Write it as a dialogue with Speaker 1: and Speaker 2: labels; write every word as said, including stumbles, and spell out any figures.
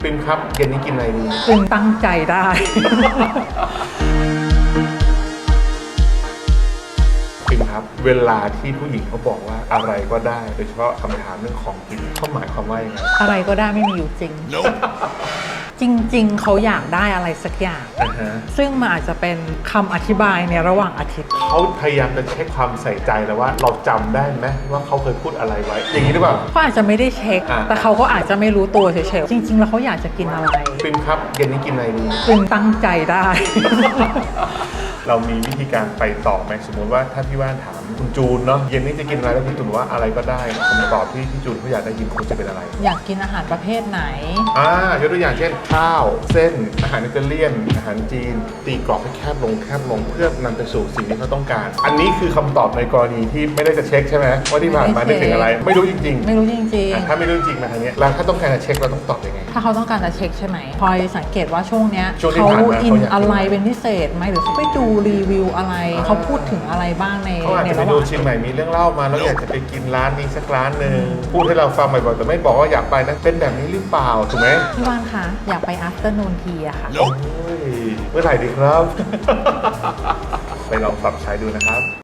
Speaker 1: ปิมครับเย็นนี้กินอะไรดี
Speaker 2: ปิมตั้งใจได้
Speaker 1: ปิมครับเวลาที่ผู้หญิงเขาบอกว่าอะไรก็ได้โดยเฉพาะคำถามเรื่องของกินเขาหมายความว่ายังไง
Speaker 2: อะไรก็ได้ไม่มีอยู่จริง จริงๆเขาอยากได้อะไรสักอย่าง
Speaker 1: uh-huh.
Speaker 2: ซึ่งมันอาจจะเป็นคำอธิบายในระหว่างอาทิตย์
Speaker 1: เขาพยายามจะเช็คความใส่ใจแล้วว่าเราจำได้ไหมว่าเขาเคยพูดอะไรไว้อย่างนี้หรือเปล่า
Speaker 2: เขาอาจจะไม่ได้เช็คแต่เขาก็อาจจะไม่รู้ตัวเฉยๆจริงๆแล้วเขาอยากจะกินอะไร
Speaker 1: ปิมครับเย็นนี้กินอะไรดี
Speaker 2: ปิมตั้งใจได้
Speaker 1: เรามีวิธีการไปต่อไหมสมมติว่าถ้าพี่ว่านถามคุณจูนเนาะเย็นนี้จะกินอะไรแล้วพี่จูนว่าอะไรก็ได้คำตอบที่พี่จูนเขาอยากได้ยินควรจะเป็นอะไร
Speaker 2: อยากกินอาหารประเภทไหน
Speaker 1: อ่ายกตัวอย่างเช่นข้าวเส้นอาหารอิตาเลียนอาหารจีนตีกรอบให้แคบลงแคบลงเพื่อนำไปสู่สิ่งที่เขาต้องการอันนี้คือคำตอบในกรณีที่ไม่ได้จะเช็คใช่ไหมว่าที่ผ่านมาได้ถึงอะไรไม่รู้จริงๆ
Speaker 2: ไม่รู้จริง
Speaker 1: ๆถ้าไม่รู้จริงมาทางนี้แล้วถ้าต้องการจะเช็คเราต้องตอบยังไง
Speaker 2: ถ้าเขาต้องการจะเช็คใช่ไหมพลอยสังเกตว่าช่วงเนี้ย
Speaker 1: เขา
Speaker 2: อินอะไรเป็นพิเศษไหมหรือเขาไปดูรีวิวอะไรเขาพูดถึงอะไรบ้างใน
Speaker 1: เขาอาจจะไปดูชิมใหม่มีเรื่องเล่ามาแล้วอยากจะไปกินร้านนี้สักร้านหนึ่งพูดให้เราฟังบ่อยๆแต่ไม่บอกว่าอยากไปนะเป็นแบบนี้หรือเปล่าถูกไหม
Speaker 2: พี่วานคะอยากไป afternoon tea อะค่ะ
Speaker 1: โอ้ยเมื่อไหร่ดีครับ ไปลองปรับใช้ดูนะครับ